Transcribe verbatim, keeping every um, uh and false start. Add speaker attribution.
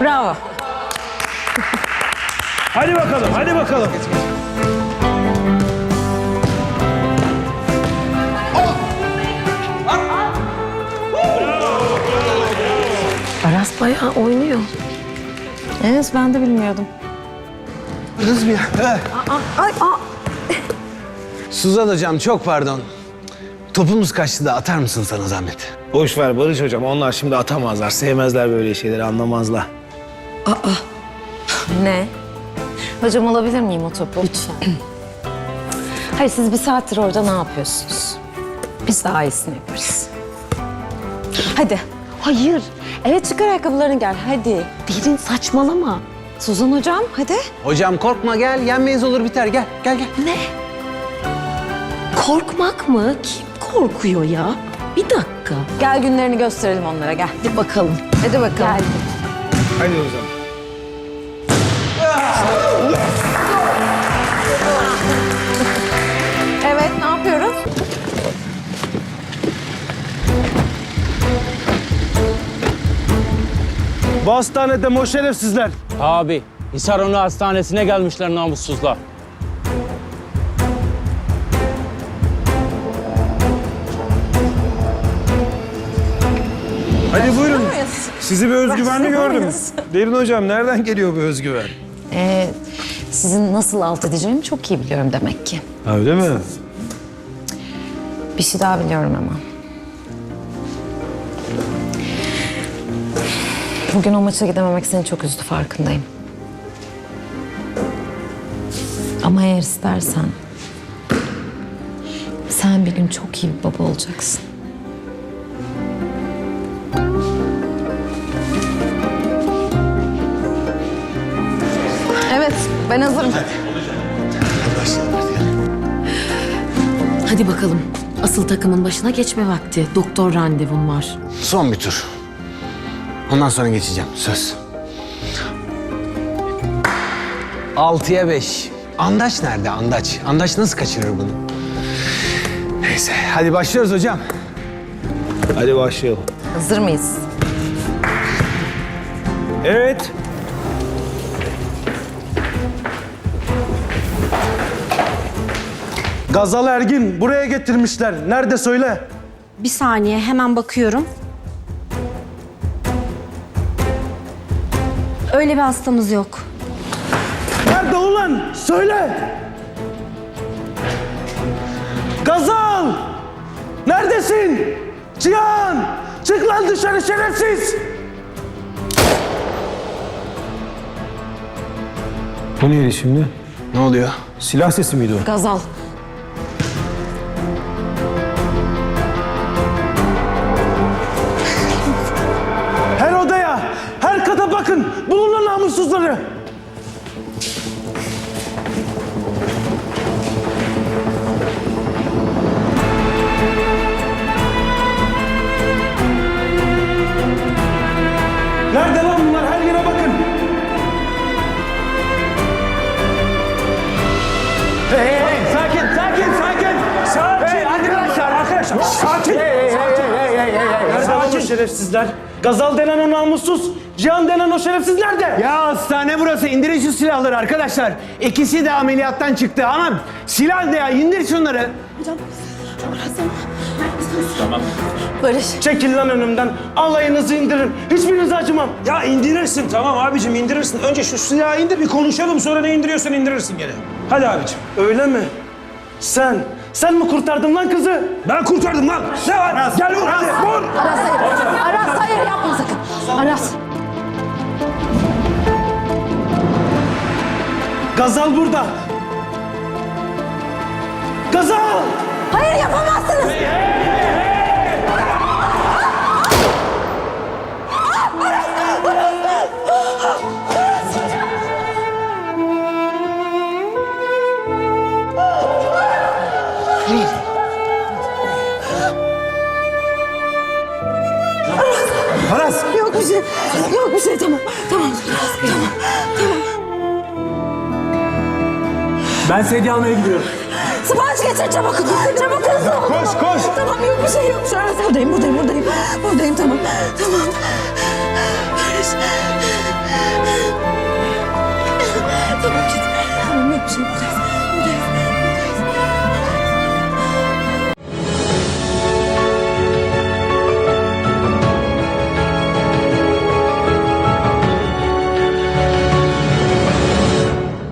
Speaker 1: Bravo.
Speaker 2: Hadi bakalım, hadi bakalım.
Speaker 1: Aras bayağı oynuyor. Evet, ben de bilmiyordum.
Speaker 3: Hız bir. Evet.
Speaker 1: Ay, aa.
Speaker 3: Suzan hocam çok pardon. Topumuz kaçtı da atar mısın sana zahmet?
Speaker 2: Boş ver Barış hocam, onlar şimdi atamazlar. Sevmezler böyle şeyleri, anlamazlar.
Speaker 1: Ne? Hocam alabilir miyim o topu? Lütfen. Hayır, siz bir saattir orada ne yapıyorsunuz? Biz daha iyisini yaparız. Hadi. Hayır. Evet, çıkar ayakkabılarını gel. Hadi. Derin, saçmalama. Suzan hocam, hadi.
Speaker 3: Hocam korkma gel, yenmeyiz olur biter. Gel, gel gel.
Speaker 1: Ne? Korkmak mı? Kim korkuyor ya? Bir dakika. Gel günlerini gösterelim onlara, gel. Hadi bakalım. Hadi bakalım. Gel.
Speaker 2: Hadi o zaman.
Speaker 1: Evet, ne yapıyoruz?
Speaker 2: Bu hastanede o şerefsizler.
Speaker 4: Abi, Hisarönü Hastanesi'ne gelmişler namussuzlar.
Speaker 2: Hadi buyurun.
Speaker 1: muyuz?
Speaker 2: Sizi bir özgüvenli
Speaker 1: Başlıyor
Speaker 2: gördüm.
Speaker 1: muyuz?
Speaker 2: Derin hocam, nereden geliyor bu özgüven?
Speaker 1: Ee, sizin nasıl alt edeceğimi çok iyi biliyorum demek ki.
Speaker 2: Ha, öyle mi?
Speaker 1: Bir şey daha biliyorum ama. Bugün o maça gidememek seni çok üzdü, farkındayım. Ama eğer istersen... sen bir gün çok iyi bir baba olacaksın. Evet, ben hazırım.
Speaker 5: Hadi bakalım. Asıl takımın başına geçme vakti. Doktor randevum var.
Speaker 3: Son bir tur. Ondan sonra geçeceğim, söz. Altıya beş. Andaç nerede Andaç? Andaç nasıl kaçırır bunu? Neyse, hadi başlıyoruz hocam.
Speaker 2: Hadi başlayalım.
Speaker 1: Hazır mıyız?
Speaker 2: Evet. Gazal Ergin buraya getirmişler. Nerede söyle?
Speaker 6: Bir saniye, hemen bakıyorum. Öyle bir hastamız yok.
Speaker 2: Nerede ulan? Söyle. Gazal! Neredesin? Cihan! Çık lan dışarı şerefsiz! Bu neydi şimdi?
Speaker 3: Ne oluyor?
Speaker 2: Silah sesi miydi o?
Speaker 1: Gazal.
Speaker 2: Her odaya, her kata bakın. Bulun lan namussuzları. Nerede lan bunlar? Her yere bakın. Hey, hey, hey. Sakin, sakin, sakin. Sakin. Hey, arkadaşlar, arkadaşlar. Sakin. Hey, hey, sakin. Hey, hey, hey, hey. Nerede lan o şerefsizler? Gazal denen o namussuz, Cihan denen o şerefsiz nerede?
Speaker 3: Ya hastane burası. İndirin şu silahları arkadaşlar. İkisi de ameliyattan çıktı ama silah ne ya? İndir şunları.
Speaker 1: Barış.
Speaker 2: Çekil lan önümden. Alayınızı indirin. Hiçbirinize acımam.
Speaker 7: Ya indirirsin tamam abicim indirirsin. Önce şu silahı indir bir konuşalım sonra ne indiriyorsan indirirsin gene. Hadi abicim.
Speaker 2: Öyle mi? Sen, sen mi kurtardın lan kızı?
Speaker 7: Ben kurtardım lan. Ne var? Gel vur hadi vur.
Speaker 1: Aras hayır. Aras hayır, yapma sakın. Aras.
Speaker 2: Gazal burada. Gazal!
Speaker 1: Hayır, yapamazsınız.
Speaker 2: Aras!
Speaker 1: Yok bir şey. Yok bir şey, tamam. Tamam. Tamam.
Speaker 2: Ben sedye almaya gidiyorum.
Speaker 1: Sipariş getir çabuk. Çabuk hızlı ol.
Speaker 2: Koş, koş.
Speaker 1: Tamam, yok bir şey yok. Şu an buradayım, buradayım, buradayım. Buradayım, tamam. Tamam. Barış.